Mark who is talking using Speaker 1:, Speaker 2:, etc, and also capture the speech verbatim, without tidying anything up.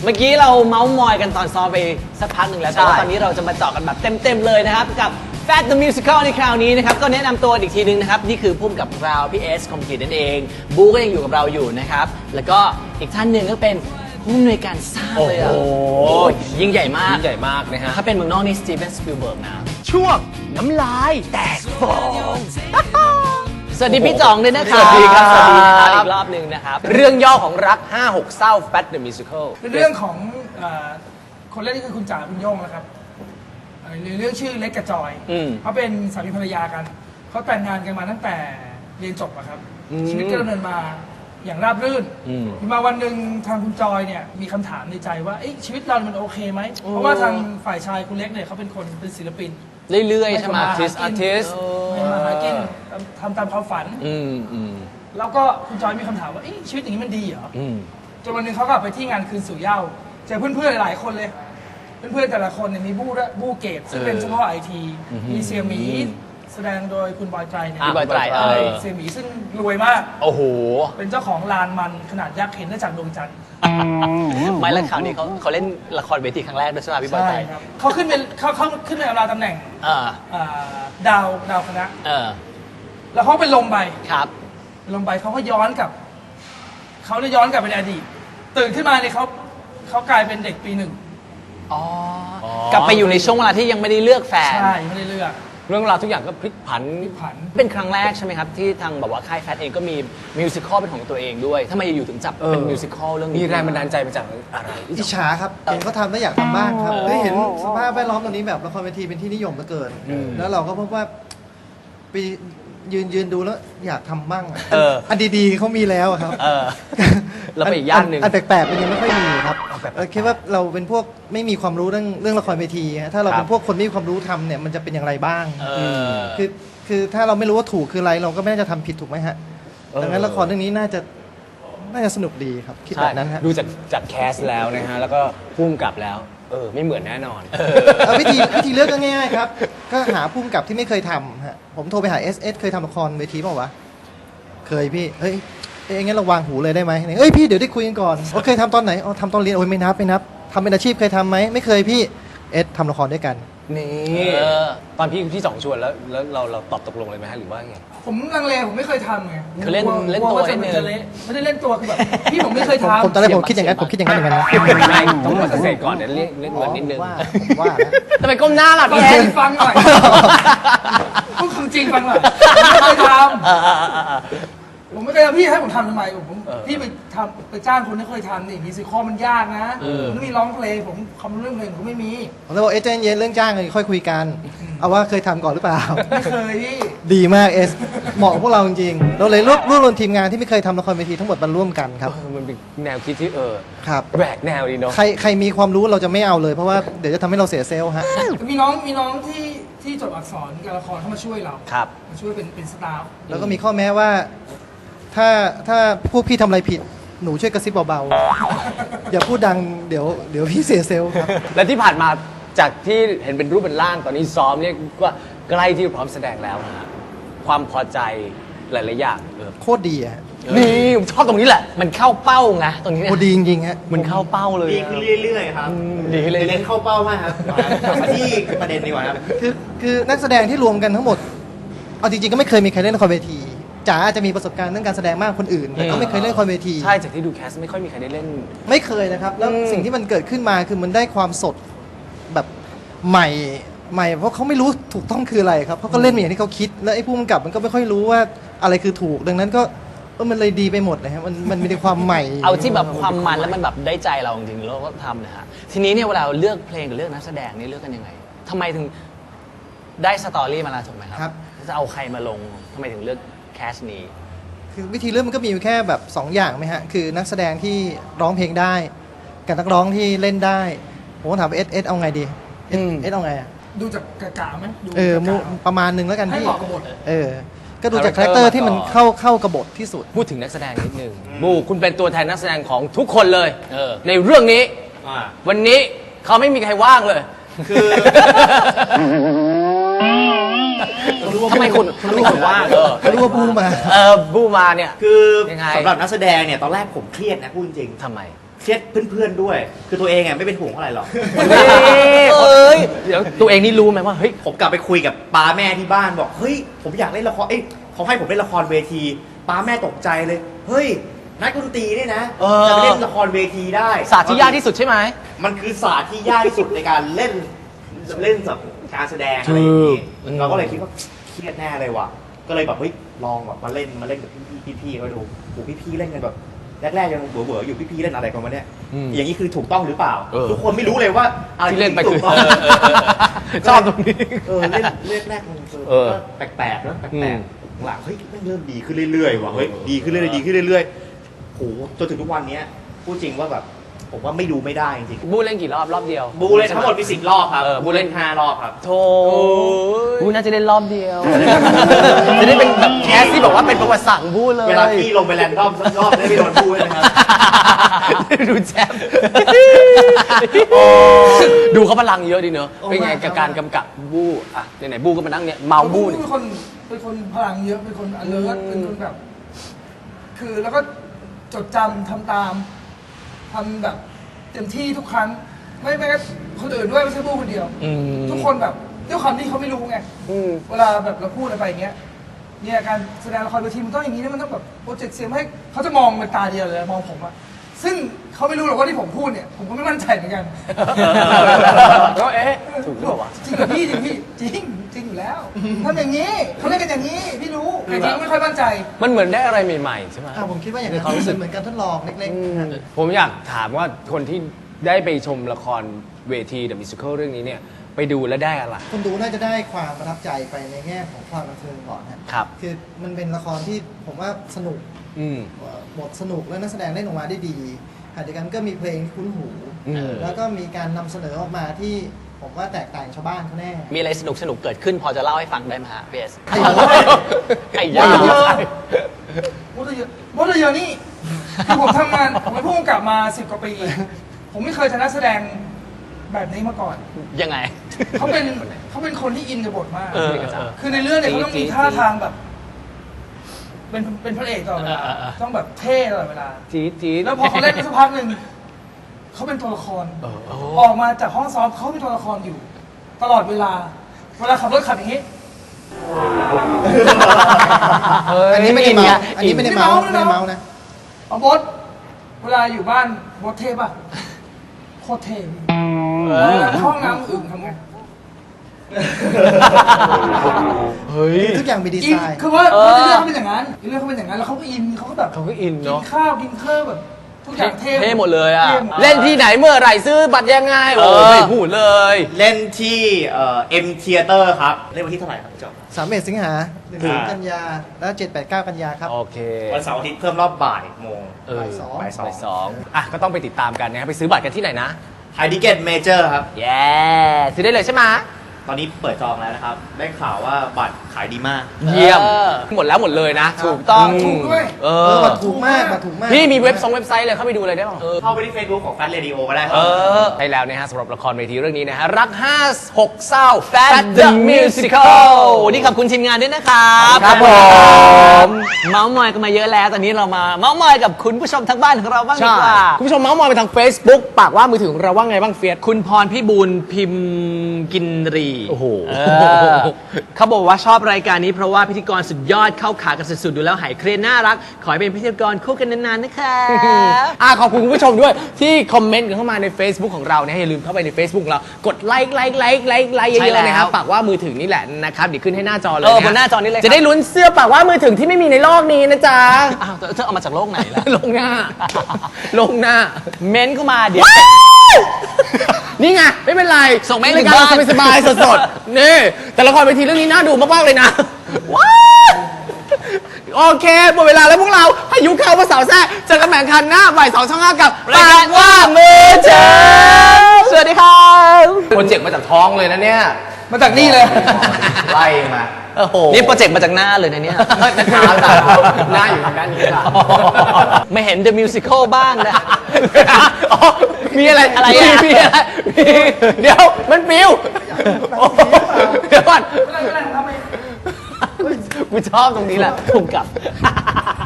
Speaker 1: เมื่อกี้เราเมาส์มอยกันตอนซ้อมไปสักพักหนึ่งแล้วแต่ว่าตอนนี้เราจะมาเจาะกันแบบเต็มๆเลยนะครับกับ Fat the Musical ในคราวนี้นะครับก็แนะนำตัวอีกทีนึงนะครับนี่คือพุ่มกับเราพี่เอสคอมพิวนั่นเองบูก็ยังอยู่กับเราอยู่นะครับแล้วก็อีกท่านหนึ่งก็เป็นผู้อำนวยการสร้างเลยอ่ะโอ้ยิ่งใหญ่มาก
Speaker 2: ยิ่งใหญ่มากนะฮะ
Speaker 1: ถ้าเป็นเมืองนอกนี่สตีเวนสปิลเบิร์กนะ
Speaker 2: ช่วงน้ำลายแตกฟอง
Speaker 1: สวัสดีพี่จ่องด้วยนะครับ
Speaker 2: สวัสดีครับ
Speaker 1: สวัสดีครับอีกรอบหนึ่งนะครับ
Speaker 2: เรื่องย่อของรักห้าหกเศร้า Fat the Musical
Speaker 3: เป็นเรื่องของเอ่อคนเล่นนี่คือคุณจ๋าคุณโย่งนะครับเอ่อเรื่องชื่อเล็กกับจอยเขาเป็นสามีภรรยากันเขาแต่งงานกันมาตั้งแต่เรียนจบอะครับชีวิตก็ดำเนินมาอย่างราบรื่นมาวันหนึ่งทางคุณจอยเนี่ยมีคำถามในใจว่าชีวิตเรามันโอเคไหมเพราะว่าทางฝ่ายชายคุณเล็กเนี่ยเขาเป็นคนเป็นศิลปิน
Speaker 1: เรื่อยๆใช่ไหม
Speaker 2: อาร์ติสอาร์ติส
Speaker 3: ไม่มาหากินทำตามความฝันแล้วก็คุณจอยมีคำถามว่าชีวิตอย่างนี้มันดีเหรอจนวันหนึ่งเขาก็ไปที่งานคืนสู่เหย้าเจอเพื่อนๆหลายๆคนเลยเพื่อนๆแต่ละคนเนี่ยมีบู้บู้เกตซึ่งเป็นเฉพาะไอทีมีเซียหมีแสดงโดยคุณบอยไตรเนี่ย
Speaker 1: บอยไตร
Speaker 3: เซียหมีซึ่งรวยมาก
Speaker 1: โอ้โห
Speaker 3: เป็นเจ้าของลานมันขนาดยักษ์เห็นได้จากดวงจันทร์
Speaker 1: ไม่แล้วข่าวนี้เขาเขาเล่นละครเวทีครั้งแรกด้วยใช่ไหมพี่บอยไตร
Speaker 3: เขาขึ้นเป็นเขาเขาขึ้นเป็นอำลาตำแหน่งดาวดาวคณะแล้วเขาเป็นลมไป
Speaker 1: ครับ
Speaker 3: ลมไปเขาก็ย้อนกลับเขาได้ย้อนกลับไปในอดีตตื่นขึ้นมาเนี่ยเขาเขากลายเป็นเด็กปีหนึ่ง
Speaker 1: อ๋อกลับไปอยู่ในช่วงเวลาที่ยังไม่ได้เลือกแฟน
Speaker 3: ใช่ไม่ได้เลือก
Speaker 2: เรื่องราวทุกอย่างก็พลิกผัน
Speaker 3: พลิกผัน
Speaker 1: เป็นครั้งแรกใช่ไหมครับที่ทางแบบว่าค่ายแฟทเองก็มีมิวสิคอลเป็นของตัวเองด้วยทำไมอยู่ถึงจับเป็นมิวสิคอลเรื่องนี้
Speaker 2: มีแรงบันดาลใจมาจากอะไร
Speaker 4: อิจฉาครับเห็นเขาทำแล้วอยากทำบ้างครับได้เห็นสภาพแวดล้อมตรงนี้แบบละครเวทีเป็นที่นิยมเหลือเกินแล้วเราก็พบว่าไปยืนยืนดูแล้วอยากทำบ้างอันดีๆเขามีแล้วครับ
Speaker 1: เราไปอีกย่านหนึ่ง
Speaker 4: อันแปลกๆมันยังไม่ค่อยมีครับคิดว่าเราเป็นพวกไม่มีความรู้เรื่องเรื่องละครเวทีถ้าเราเป็นพวกคนไม่มีความรู้ทำเนี่ยมันจะเป็นอย่างไรบ้างคือคือถ้าเราไม่รู้ว่าถูกคืออะไรเราก็ไม่น่าจะทำผิดถูกไหมฮะดังนั้นละครเรื่องนี้น่าจะน่าจะสนุกดีครับคิดแบบนั้นฮะ
Speaker 2: ดูจากจากแคสแล้วนะฮะแล้วก็พุ่มกลับแล้วเออไม่เหมือนแน่นอน
Speaker 4: วิธีวิธีเลือกก็ง่ายๆครับก็หาพุ่มกับที่ไม่เคยทำฮะผมโทรไปหา เอส เอส เคยทำละครเวทีเปล่าวะเคยพี่เฮ้ยเอ้ยงั้นเราวางหูเลยได้ไหมเอ้ยพี่เดี๋ยวได้คุยกันก่อนว่าเคยทำตอนไหนอ๋อทำตอนเรียนโอ้ยไม่นับไม่นับทำเป็นอาชีพเคยทำไหมไม่เคยพี่เอสทำละครด้วยกัน
Speaker 2: นี่ตอนพี่พี่สองชวนแล้วแล้วเราเราตอบตกลงเลยไหมฮะหรือว่าไง
Speaker 3: ผมลังเลผมไม่เคยทำไง
Speaker 1: คือเล่นเล่นตัวเล่นเนื้อ
Speaker 3: ไม่ได้เล่นตัวคือแบบพี่ผมไม่เคยทำ
Speaker 4: ผมตอนแรกผมคิดอย่างนั้นผมคิดอย่างนั้นเหมือนกันนะ
Speaker 2: ไม่ต้องมาเสร็จก่อนเดี๋ยวเล่นเล่นเงินนิดนึง
Speaker 4: ว่า
Speaker 1: ทำไมก้มหน้าล่ะพี่
Speaker 3: แอนฟังหน่อยพูดคำจริงฟังหน่อยไม่เคยทำผมไม่เคยทำพี่ให้ผมทำทำไมผมพี่ไปทำไปจ้างคนที่เคยทำนี่มีซิคอมันยากนะมันมีร้องเพลงผมคำเรื่องเพลงผมไม่มี
Speaker 4: ผมเลยบอกเอเจนต์เย็นเรื่องจ้างค่อยคุยกันเอาว่าเคยทำก่อนหรือเปล่า
Speaker 3: ไม่เคยพี่
Speaker 4: ดีมากเอสเหมาะพวกเราจริงๆเราเลยรวบรวบรวมทีมงานที่ไม่เคยทำละครเวทีทั้งหมดมาร่วมกันครับ
Speaker 2: มันเป็นแนวคิดที่เออ
Speaker 4: ครับ
Speaker 2: แบกแนวดีเนาะ
Speaker 4: ใครใครมีความรู้เราจะไม่เอาเลยเพราะว่าเดี๋ยวจะทำให้เราเสียเซลล์ฮะ
Speaker 3: มีน้องมีน้องที่ที่จบอักษรการละครเข้ามาช่วยเรา
Speaker 2: ครับ
Speaker 3: มาช่วยเป็นเป็นสตาฟ
Speaker 4: แล้วก็มีข้อแม้ว่าถ้าถ้าพวกพี่ทำอะไรผิดหนูช่วยกระซิบเบาๆอย่าพูดดังเดี๋ยวเดี๋ยวพี่เสียเซลล์ครับ
Speaker 2: และที่ผ่านมาจากที่เห็นเป็นรูปเป็นร่างตอนนี้ซ้อมเนี่ยก็ใกล้ที่พร้อมแสดงแล้วนะความพอใจหลายๆอย่าง
Speaker 4: โคตรดีอ่ะ
Speaker 2: นี่ผมชอบตรงนี้แหละ
Speaker 1: มันเข้าเป้าไงตรงนี้
Speaker 4: โคตรดีจริงๆฮะ
Speaker 1: มันเข้าเป้าเลย
Speaker 5: ดีขึ้นเรื่อยๆครับ
Speaker 1: ดีเลย
Speaker 5: เล่นเข้าเป้ามากครับมาที่ประเด็นดีกว่าครับ
Speaker 4: คือคือนักแสดงที่รวมกันทั้งหมดเอาจริงๆก็ไม่เคยมีใครเล่นละครเวทีจ๋าอาจจะมีประสบการณ์เรื่องการแสดงมากคนอื่นแต่ก็ไม่เคยเล่นละครเวที
Speaker 2: ใช่จากที่ดูแคสไม่ค่อยมีใครได้เล่น
Speaker 4: ไม่เคยนะครับแล้วสิ่งที่มันเกิดขึ้นมาคือมันได้ความสดแบบใหม่ใหม่เพราะเขาไม่รู้ถูกต้องคืออะไรครับเขาก็เล่นอย่างที่เขาคิดแล้วไอ้ผู้กำกับมันก็ไม่ค่อยรู้ว่าอะไรคือถูกดังนั้นก็เออมันเลยดีไปหมดเลยครับมันมันมีความใหม่
Speaker 1: เอาที่แบบความมันแล้วมันแบบได้ใจเราจริงๆเราก็ทำนะฮะทีนี้เนี่ยเวลาเลือกเพลงกับเลือกนักแสดงนี่เลือกกันยังไงทำไมถึงได้สตอรี่มาแล้วถูกไหมครับจะเอาใครมาลงทำไมถึงเลือกแคสนี้
Speaker 4: คือวิธีเลือกมันก็มีแค่แบบสองอย่างไหมฮะคือนักแสดงที่ร้องเพลงได้กับนักร้องที่เล่นได้ผมถามเอสเอสเอาไงดีเอสเอสเอาไงอ่ะ
Speaker 3: ดูจากกะกะไหม
Speaker 4: เออประมาณนึงแล้วกัน
Speaker 3: พี่ให้เหมาะกับบท
Speaker 4: เออก็ดูจากคาแรคเตอร์ที่มันเข้าเข้ากับบทที่สุด
Speaker 2: พูดถึงนักแสดงนิดนึงบูคุณเป็นตัวแทนนักแสดงของทุกคนเลยในเรื่องนี้วันนี้เขาไม่มีใครว่างเลยคือ
Speaker 1: ทำไมคุณทำไมคุณว่าง
Speaker 4: เออรู้ว่าบูมา
Speaker 2: เออบูมาเนี่ย
Speaker 5: คือสำหรับนักแสดงเนี่ยตอนแรกผมเครียดนะพูดจริง
Speaker 2: ทำไม
Speaker 5: เครียดเพื่อนๆด้วย คือตัวเองอ่ะไม่เป็นห่วงเท่าไหร่หรอก
Speaker 2: เอ้ยเดี๋ยวตัวเองนี่รู้ไหมว่าเฮ้ย
Speaker 5: ผมกลับไปคุยกับป้าแม่ที่บ้านบอกเฮ้ยผมอยากเล่นละครเอ้ยเขาให้ผมเล่นละครเวทีป้าแม่ตกใจเลยเฮ้ยนักดนตรีเนี่ยนะ
Speaker 2: เออ
Speaker 5: จะไปเล่นละครเวทีได้
Speaker 2: ศาสตร์ที่ยากที่สุดใช่ไหม
Speaker 5: มันคือศาสตร์ที่ยากที่สุดในการเล่นเล่นแบบการแสดงอะไรอย่างนี้
Speaker 2: ถูก
Speaker 5: เราก็เลยคิดว่าเครียดแน่เลยว่ะก็เลยแบบเฮ้ยลองแบบมาเล่นมาเล่นกับพี่ๆพี่ๆเขาดูโหพี่ๆเล่นกันแบบแรกๆยังเบื่อๆอยู่พี่ๆเล่นอะไรกันวะเนี่ยอย่างนี้คือถูกต้องหรือเปล่า
Speaker 2: เออ
Speaker 5: ทุกคนไม่รู้เลยว่าอะไร
Speaker 2: ที่เล่นไป
Speaker 5: ถู
Speaker 2: คือก
Speaker 5: ต้อง
Speaker 2: ชอบตรงนี้
Speaker 5: เออเล่นเล่นแรกมัน
Speaker 2: เออ
Speaker 5: ก็แปลกๆนะแป
Speaker 2: อื
Speaker 5: ล
Speaker 2: ม
Speaker 5: กๆหลังๆเฮ้ยแม่งเริ่มดีขึ้นเรื่อยๆว่ะเฮ้ยดีขึ้นเรื่อยๆดีขึ้นเรื่อยๆโหจนถึงทุกวันเนี้ยพูดจริงว่าแบบผมว่าไม่ดูไม่ได้จริง
Speaker 2: บูเล่นกี่รอบรอบเดียว
Speaker 5: ๆบูเล่นทั้งหมดมีสิบรอบครับ
Speaker 2: เออบู
Speaker 5: บู
Speaker 2: เล่
Speaker 5: เล่
Speaker 2: น
Speaker 5: นห้ารอบครับ
Speaker 2: โธ่บูน่าจะเล่นรอบเดียว จะได้เป็นแบบแคสที่บอกว่าเป็นประวัติศาสตร์ของบูเลย
Speaker 5: เวลาพี่ลงไปแรนดอมสักรอบได้ไปโดนบูเลยนะครับ
Speaker 2: ดูแชมป์ดูเขาพลังเยอะดีเนอะเป็นไงกับการกำกับบูอ่ะไหนๆบูก็มานั่งเนี่ยเมาบู
Speaker 3: บู
Speaker 2: เนี่ย
Speaker 3: เป็นคนเป็นคนพลังเยอะเป็นคน alert เป็นคนแบบ คือแล้วก็จดจำทำตามทำแบบเต็มที่ทุกครั้ง ไม่ไม่ก็คนอื่นด้วยไม่ใช่บูคนเดียว
Speaker 2: อืม
Speaker 3: ทุกคนแบบด้วยความที่เขาไม่รู้ไง
Speaker 2: อืม
Speaker 3: เวลาแบบเราพูดอะไรไปอย่างเงี้ยเนี่ยการแสดงละครเวทีมันต้องอย่างนี้นะมันต้องแบบโปรเจกต์เสียงให้เขาจะมองเป็นตาเดียวเลยมองผมอะซึ่งเขาไม่รู้หรอกว่าที่ผมพูดเนี่ยผมก็ไม่มั่นใจเหมือนกัน
Speaker 2: ก็เอ๊ะถูกหรือเปล่าวะ
Speaker 3: จริงเหรอพี่จริงพี่จริงจริงอยู่แล้วทำอย่างนี้เขาเล่นกันอย่างนี้พี่รู้แต่จริงไม่ค่อยมั่นใจ
Speaker 2: มันเหมือนได้อะไรใหม่ๆใช่ไหม
Speaker 4: อ่ะผมคิดว่าอย่างนั้นเป็นเหมือนการทดลองเล็กๆนะ
Speaker 2: ผมอยากถามว่าคนที่ได้ไปชมละครเวที The Musical เรื่องนี้เนี่ยไปดูแล้วได้อะไร
Speaker 4: คนดูน่าจะได้ความประทับใจไปในแง่ของความบันเทิงก่อนนะครับ คือมันเป็นละครที่ผมว่าสนุก
Speaker 2: อืม
Speaker 4: บทสนุกและนักแสดงเล่นออกมาได้ดีขณะเดียวกันก็มีเพลงที่คุ้นหู
Speaker 2: อืม
Speaker 4: แล้วก็มีการนำเสนอออกมาที่ผมว่าแตกต่างชาวบ้านเขาแน่
Speaker 1: มีอะไรสนุกสนุกๆเกิดขึ้นพอจะเล่าให้ฟังได้ไหมฮะพีเอส
Speaker 4: ไอ้โห
Speaker 1: ไอ้
Speaker 3: ม
Speaker 1: ยา
Speaker 3: ดเยอะมดเยอะมดเยอะนี่คือผมทำงานผมเป็นผู้กำกับมาสิบกว่าปี ผมไม่เคยชนะแสดงแบบนี้มาก่อน
Speaker 1: ยังไง
Speaker 3: เขาเป็นเขาเป็นคนที่อินกับบทมาก
Speaker 1: เออเออ
Speaker 3: คือในเรื่องเนี่ยเขาต้องมี
Speaker 1: จี๊ด
Speaker 3: ท่าทางแบบ เป็นเป็นพระเอกตลอดเวลา
Speaker 1: เออเออเออ
Speaker 3: ต้องแบบเท่ตลอดเวลา
Speaker 2: จี๊ดจี๊ด
Speaker 3: แล้วพอเขาเล่นไปสักพักหนึ่งเขาเป็นตัวละคร ออกมาจากห้องซ้อมเขาเป็นตัวละครอยู่ ตลอดเวลา เวลาขับรถขับอย่างนี้
Speaker 4: อันนี้ไม่ได้เมา
Speaker 1: อินไง
Speaker 4: อันนี้ไม่ได้เมา
Speaker 3: ไม่
Speaker 4: ไม่
Speaker 3: ได้
Speaker 4: ได้
Speaker 3: เมา
Speaker 4: เมานะ
Speaker 3: เอาบดเวลาอยู่บ้านบดเท่ป่ะโคตรเท่พี่เวลาเข้าห้องน้ำอึ่งทำไง
Speaker 2: เฮ้ย
Speaker 4: ทุกอย่างมีดี
Speaker 3: อิน
Speaker 4: ไซน์
Speaker 3: คือว่าในเรื่องเขาเป็นอย่างนั้นในเรื่องเขาเป็นอย่างนั้นแล้วเขาก็อินเขาก็แบบ
Speaker 2: เขาก็อิน
Speaker 3: กิ
Speaker 2: เนาะ
Speaker 3: นข้าวกินข้าวแบบ ทุกอย่างเท่
Speaker 1: เท่หมดเลยอะ
Speaker 3: ท่หมด
Speaker 2: เล่นที่ไหนเมื่อไหร่ซื้อบัตรยังไงโอ้
Speaker 1: เออ
Speaker 2: ไม่พูดเลย
Speaker 5: เล่นที่เอ่อ็มเทียเตอร์ครับเล่นวันที่เท่าไหร่ครับพี่จอม
Speaker 4: สามเอ็ดสิงหาหนึ่ง
Speaker 5: อ่า
Speaker 4: กันยา แล้วเจ็ดแปดเก้ากันยาครับ
Speaker 2: โอเค
Speaker 5: วันเสาร์อาทิตย์เพิ่มรอบบ่ายโมง
Speaker 2: เออ
Speaker 4: บ่ายสอง
Speaker 5: บ่ายสอง
Speaker 2: บ่ายสองอ่ะก็ต้องไปติดตามกันนะครับไปซื้อบัตรกันที่ไหนนะ
Speaker 5: ไฮดิเกตเมเจอร์ครับ
Speaker 2: แย่ซื้อได้เลยใช่ไหม
Speaker 5: ตอนนี้เปิดจองแล้วนะครับ ได้ข่าวว่าบัตรขายดีมาก
Speaker 2: เยี่ยม
Speaker 1: เออ
Speaker 2: หมดแล้วหมดเลยนะ
Speaker 4: ถู
Speaker 2: ถู
Speaker 4: ก
Speaker 2: กต้อง
Speaker 3: ถูกด้วย
Speaker 2: เอ
Speaker 4: เออ
Speaker 2: อ
Speaker 4: มาถูกมากมาถูกมาก
Speaker 2: พี่มีเว็บซองเว็บไซต์เลยเข้าไปดูเลยได้ป่ะเออ
Speaker 5: เข้าไปที่ Facebook ของ Fat Radio ก็ได้ค
Speaker 2: เอ
Speaker 5: รับ
Speaker 2: อใช่แล้วนะฮะสำหรับละครเวทีเรื่องนี้นะฮะรักห้าหกเศร้า Fat the Musical
Speaker 1: วันนี้ขอบคุณทีมงานด้วยนะครับ
Speaker 2: ครับผม
Speaker 1: เมาส์มอยกันมาเยอะแล้ว ตอนนี้เรามาเมาส์มอยกับคุณผู้ชมทางบ้านของเราบ้างดี
Speaker 2: ใช่
Speaker 1: กว่า
Speaker 2: คุณผู้ชมเมาส์มอยไปทาง Facebook ปากว่ามือถือของเราว่าไงบ้างเฟียส
Speaker 1: คุณพรพี่บูลพิมพ์กินรี
Speaker 2: โอ้โห
Speaker 1: เออเขาบอกว่าชอบรายการนี้เพราะว่าพิธีกรสุดยอดเข้าขากันสุดๆดูแล้วหายเครียดน่ารัก ขอให้เป็นพิธีกรคู่กันนานๆนะคะ
Speaker 2: อ่ะขอบคุณคุณผู้ชมด้วยที่คอมเมนต์กันเข้ามาใน Facebook ของเรานะอย่าลืมเข้าไปใน Facebook ของเรากดไลค์ไลค์ไลค์ไลค์ไลค์เย
Speaker 1: ใช่
Speaker 2: อะๆนะครับ
Speaker 1: แล้ว
Speaker 2: ปากว่ามือถือนี่แหละนะครับเดี๋ยวขึ้นให้หน้าจอเลย
Speaker 1: เออ
Speaker 2: นะ
Speaker 1: บนหน้าจอนี้เลยครับ
Speaker 2: จะได้ลุ้นเสื้อปากว่ามือถือที่ไม่มีในโลกนี้นะจ๊ะ
Speaker 1: อ้าวเธอเอามาจากโลกไหนล่ะ
Speaker 2: ลงหน้า ลงหน้า
Speaker 1: เม้นเข้ามาเดี๋ยว
Speaker 2: นี่ไง ไม่เป็นไร
Speaker 1: ส่งเมล
Speaker 2: รายการ
Speaker 1: ถึงบ้าน
Speaker 2: เราสบายๆสดๆ นี่ แต่ละครเวทีเรื่องนี้น่าดูมากๆเลยนะ ว้าว โอเคหมดเวลาแล้วพวกเราพายุเข้ามาสาวแซ่เจอกันใหม่คันหน้าบ่ายสองช่องห้ากับ
Speaker 1: รายการว่ามือเจอสวัสดีครับ
Speaker 2: โปรเจกต์มาจากท้องเลยนะเนี่ย
Speaker 3: มาจากนี่เลย
Speaker 5: ไล่มา
Speaker 2: โอ้โห
Speaker 1: นี่โปรเจกต์มาจากหน้าเลยนะเนี่ย
Speaker 2: หน้าตาหน้าอยู่ทางด้านนี้ค่ะ
Speaker 1: ไม่เห็น The Musical บ้างนะ
Speaker 2: อ๋อมีอะไร
Speaker 1: อะไรอ่ะ
Speaker 2: มีมีอะไรมีเดี๋ยวมันปิวโอ้โหเดี๋ยวก่อน
Speaker 3: ไม่เป็นไรไม่เป็นไรผมทำเอง
Speaker 2: กูชอบตรงนี้แหละ
Speaker 1: ถูกกับ